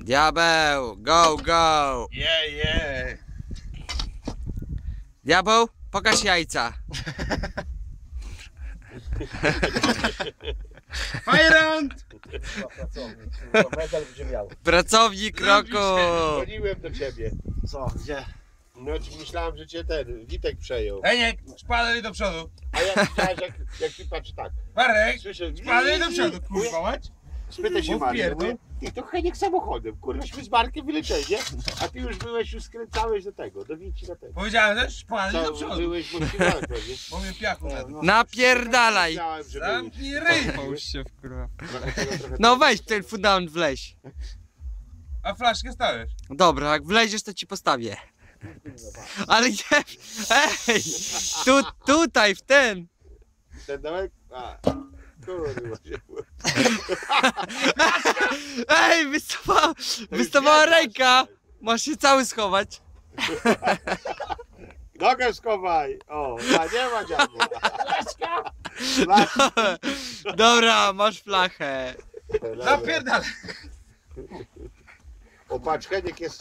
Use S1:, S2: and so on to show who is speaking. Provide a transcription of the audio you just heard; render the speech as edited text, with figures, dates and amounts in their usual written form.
S1: Diabeł, go, go!
S2: Yeah.
S1: Diabeł, pokaż jajca.
S2: Fajrant!
S3: Medal będzie miał.
S1: Pracownik roku!
S4: Dzwoniłem do ciebie.
S3: Co? Gdzie?
S4: No myślałem, że cię ten Witek przejął.
S2: Eniek, szpadel do przodu.
S4: A ja widziałeś jak ty patrz tak.
S2: Marek,
S4: Słyszę,
S2: szpadel do przodu, kurwa mać.
S4: Spytaj się
S2: Mów
S4: Marka,
S2: pierdol.
S4: mówię, ty to Heniek samochodem, kurwaśmy z Markiem wylecieli, nie? A ty już skręcałeś do tego, do Wici na tego.
S2: Powiedziałem też, szpadel do
S4: Co,
S2: przodu.
S4: byłeś moskiwałem pewnie.
S2: Bo mnie piachu na dół.
S1: Napierdalaj!
S4: Myślałem, że
S2: Zamknij ryj.
S1: Połóż się w kurwa.
S4: trochę
S1: No weź ten fundament wleź.
S2: A flaszkę stawiasz.
S1: Dobra, jak wleziesz to ci postawię. Ale nie, ej! Tutaj, w ten!
S4: ten dołek? A, kurwa się.
S1: Ej, wystawała ręka! Masz się cały schować.
S4: Nogę schowaj! O, nie ma dziadu. Flaszka!
S1: Dobra, masz flachę.
S2: Napierdalaj.
S4: O, patrz, Heniek jest